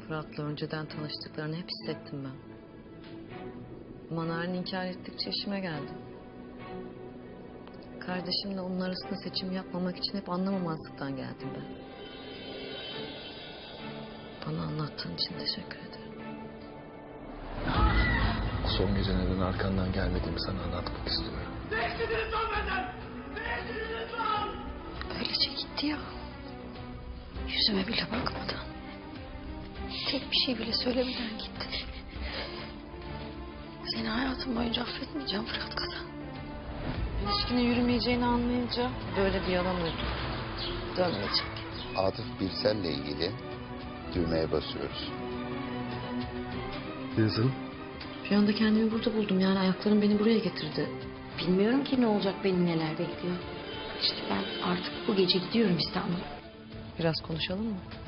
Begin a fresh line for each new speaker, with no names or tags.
Fırat'la önceden tanıştıklarını hep hissettim ben. Ama Narin inkar ettikçe işime geldi. Kardeşimle onun arasında seçim yapmamak için hep anlamamazlıktan geldim ben. Bana anlattığın için teşekkür ederim.
Son gece neden arkandan gelmediğimi sana anlatmak istiyorum.
Değiştirdiniz lan benden! Değiştirdiniz lan!
Öylece gitti ya. Yüzüme bile bakmadan. Tek bir şey bile söylemeden gitti. Seni hayatım boyunca affetmeyeceğim Fırat Kazan. İlişkinin yürümeyeceğini anlayınca böyle bir yalan uydum. Dönmeyecek.
Atıf Birsel'le ilgili düğmeye basıyoruz.
Yazın.
Bir anda kendimi burada buldum. Yani ayaklarım beni buraya getirdi.
Bilmiyorum ki ne olacak, beni neler bekliyor. İşte ben artık bu gece gidiyorum İstanbul'a.
Biraz konuşalım mı?